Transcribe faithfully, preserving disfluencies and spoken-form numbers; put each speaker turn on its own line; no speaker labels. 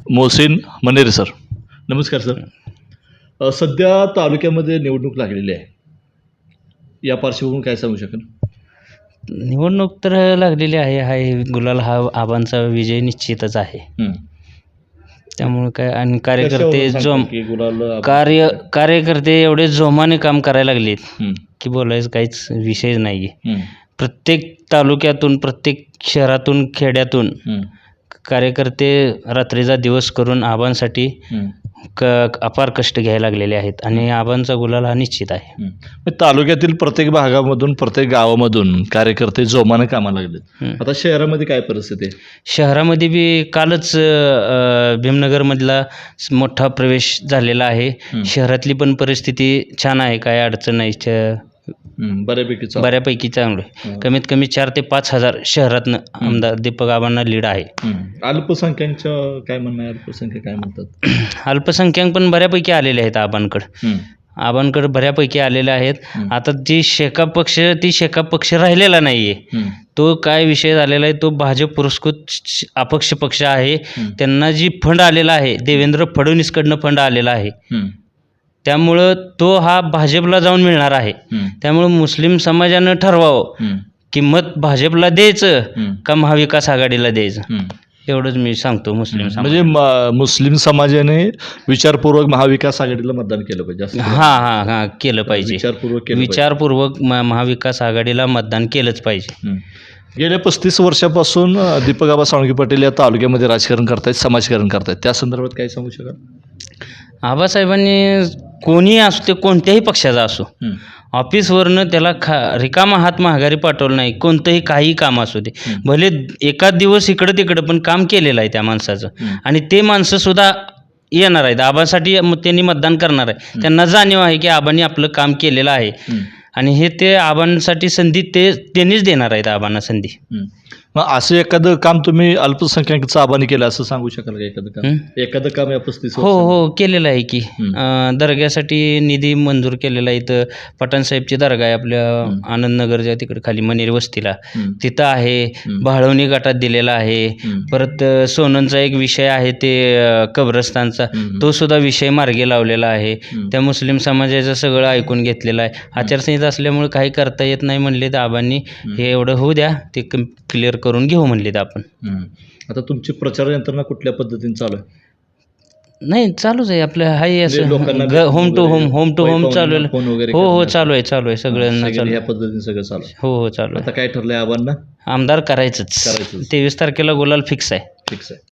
Mohsin Manere sir, नमस्कार sir. अ, सध्या तालुक्यामध्ये निवडणूक लागलेली आहे. या पार्श्वभूमीवर काय सांगू शकाल?
निवडणूक तर लागलेली आहे. हाय गुलाल हा आबांचा विजय निश्चितच आहे.
हं.
त्यामुळे काय आणि कार्यकर्ते
कशावरून सांगता
जोम
की गुलाल आबांचा
कार्य
विजय?
कार्यकर्ते एवढे जोमाने काम करायला लागलेत
हं.
की बोलायचं काहीच विषय नाही आहे.
हं.
प्रत्येक तालुक्यातून, प्रत्येक शहरातून, खेड्यातून
हं.
कार्यकर्ते रात्रीचा दिवस करून आबांसाठी
हं.
क अपार कष्ट घ्यायला लागलेले आहेत आणि आबांचा गुलाल हा निश्चित आहे.
हं. मग तालुक्यातील प्रत्येक भागामधून, प्रत्येक गावामधून कार्यकर्ते जोमाने कामाला लागलेत.
हं.
आता शहरामध्ये काय परिस्थिती आहे?
शहरामध्ये बी कालच अ, भीमनगरमधला स- मोठा प्रवेश झालेला आहे.
हं.
शहरातली पण परिस्थिती छान आहे, काय अडचण नाही. च-
हं. बऱ्यापैकी चालू.
बऱ्यापैकी चांगलं आहे.
हं.
कमीत कमी चार ते पाच हजार शहरातनं आमदार दीपक आबांना लीड आहे.
हं. अल्पसंख्यांचं काय म्हणणं आहे? अल्पसंख्याक काय म्हणतात?
अल्पसंख्याक पण बऱ्यापैकी आलेले आहेत आबांकडं.
हं.
आबांकडे बऱ्यापैकी आलेले आहेत.
हं.
आता जी शेका पक्ष ती शेका पक्ष राहिलेला नाही आहे.
हं.
तो काय विषय झालेला आहे, तो भाजप पुरस्कृत श- अपक्ष पक्ष आहे.
हं.
त्यांना जी फंड आलेला आहे, देवेंद्र फडणवीसकडनं फंड आलेला आहे.
हं.
त्यामुळं तो हा भाजपला जाऊन मिळणार आहे.
हं.
त्यामुळं मुस्लिम समाजानं ठरवावं
हं.
की मत भाजपला द्यायचं
हं.
का महाविकास आघाडीला द्यायचं.
हं.
एवढंच मी सांगतो मुस्लिम समाज.
म्हणजे म- मुस्लिम समाजाने विचारपूर्वक महाविकास आघाडीला मतदान केलं पाहिजे असं
हां हां हां केलं पाहिजे.
विचारपूर्वक केलं पाहिजे.
विचारपूर्वक म- महाविकास आघाडीला मतदान केलंच पाहिजे.
हं. गेल्या पस्तीस वर्षापासून अ, दीपक आबा साळुंखे पाटील या तालुक्यामध्ये राजकारण करतायत, समाजकारण करतायत. त्या संदर्भात काय सांगू शकाल?
आबासाहेबांनी कोणीही असू ते कोणत्याही पक्षाचा असो,
हं.
ऑफिसवरनं त्याला खा रिकामा हात माघारी पाठवलं नाही. कोणतंही काही काम असू दे,
हं.
भले एकाच दिवस इकडं तिकडं पण काम केलेलं आहे त्या माणसाचं.
हं.
आणि ते माणसंसुद्धा येणार आहेत आबासाठी. मग त्यांनी मतदान करणार आहे. त्यांना जाणीव आहे की आबांनी आपलं काम केलेलं आहे
हं.
आणि हे ते आबांसाठी संधी ते त्यांनीच देणार आहेत आबांना संधी.
हं. मग असं एखादं काम तुम्ही अल्पसंख्याकांचं आबाने केलं असं सांगू शकाल का? एखादं काम
हं?
एखादं काम या पस्तीस
हो हो केलेलं आहे की.
हं.
अं, दर्ग्यासाठी निधी मंजूर केलेला आहे. इथं पठाणसाहेबची दर्गा आहे आपल्या
हं.
आनंदनगरच्या तिकडे खाली मनेर वस्तीला,
हं.
तिथं आहे.
हं.
भाळवणी गटात दिलेला आहे.
हं.
परत अ, सोननचा एक विषय आहे ते अ, कब्रस्तानचा,
हं.
तो सुद्धा विषय मार्गी लावलेला आहे.
हं.
त्या मुस्लिम समाजाचं सगळं ऐकून घेतलेलं आहे. आचारसंहिता असल्यामुळे काही करता येत नाही म्हणले तर आबांनी हे एवढं होऊ द्या, ते क्लिअर करून घेऊ म्हणलेत आपण.
हं. आता तुमची प्रचार यंत्रणा कुठल्या पद्धतीने चालू आहे?
नाही चालूच आहे आपलं. हाय
म्हणजे
असं
लोकांना
home to home home to home चालू आहे.
फोन वगैरे
हो हो
करण्याचं?
चालू आहे चालू आहे सगळ्यांना
सगळे
चालू
ह्या
आहे.
पद्धतीने सगळं चालू आहे.
हो हो चालू
आता
आहे.
काय ठरलंय आबांना?
आमदार करायचंच.
करायचंच.
तेवीस तारखेला गुलाल फिक्स आहे.
फिक्स आहे.